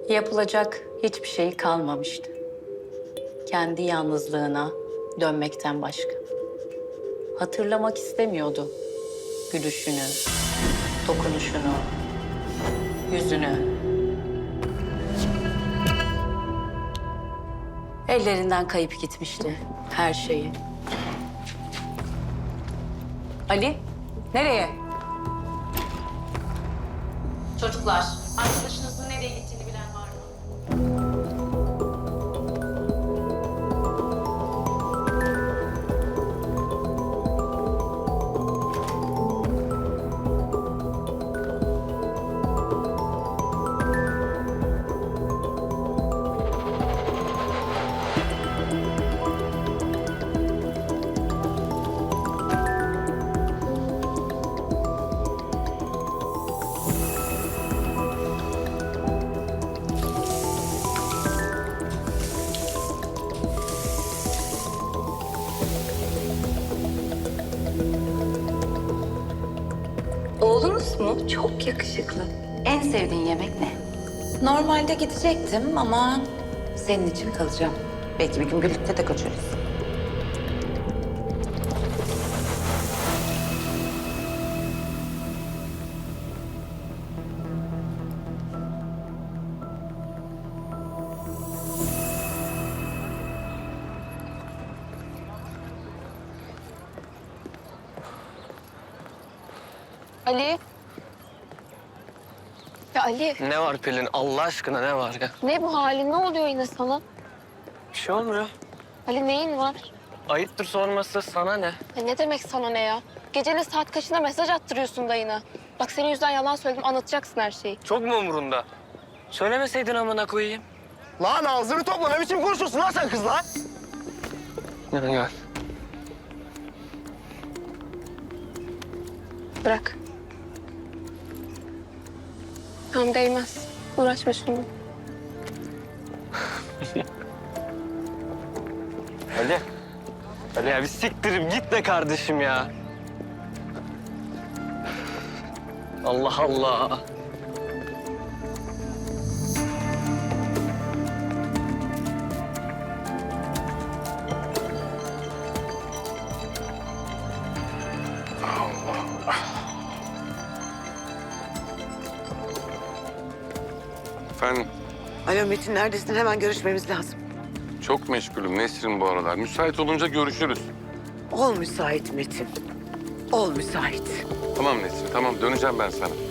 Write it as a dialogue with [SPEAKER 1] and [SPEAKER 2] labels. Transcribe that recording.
[SPEAKER 1] Yapılacak hiçbir şey kalmamıştı. Kendi yalnızlığına dönmekten başka. Hatırlamak istemiyordu gülüşünü, dokunuşunu, yüzünü. Ellerinden kayıp gitmişti her şeyi. Ali, nereye? Çocuklar, arkadaşınızın nereye gittiğini bilen var mı?
[SPEAKER 2] Oğlunuz mu? Çok yakışıklı. En sevdiğin yemek ne?
[SPEAKER 3] Normalde gidecektim ama senin için kalacağım. Belki bir gün birlikte de kaçarız.
[SPEAKER 4] Ali. Ya Ali,
[SPEAKER 5] Ne var Pelin? Allah aşkına ne var ya?
[SPEAKER 4] ne bu halin? Ne oluyor yine sana?
[SPEAKER 5] Bir şey olmuyor.
[SPEAKER 4] Ali neyin var?
[SPEAKER 5] Ayıptır sorması, sana ne?
[SPEAKER 4] Ya ne demek sana ne ya? Gecenin saat kaçında mesaj attırıyorsun dayına. Bak senin yüzünden yalan söyledim, anlatacaksın her şeyi.
[SPEAKER 5] Çok mu umurunda? Söylemeseydin amına koyayım.
[SPEAKER 6] Lan ağzını topla, ne biçim konuşuyorsun lan sen kızla?
[SPEAKER 5] Gel gel.
[SPEAKER 4] Bırak. Tamam değmez. Uğraşma şununla.
[SPEAKER 5] Ali. Ali ya bir siktirip gitme kardeşim ya. Allah Allah.
[SPEAKER 7] Efendim,
[SPEAKER 8] Alo Metin, neredesin? Hemen görüşmemiz lazım.
[SPEAKER 7] çok meşgulüm Nesrin bu aralar. Müsait olunca görüşürüz.
[SPEAKER 8] Ol müsait Metin. Ol müsait.
[SPEAKER 7] Tamam Nesrin, tamam. Döneceğim ben sana.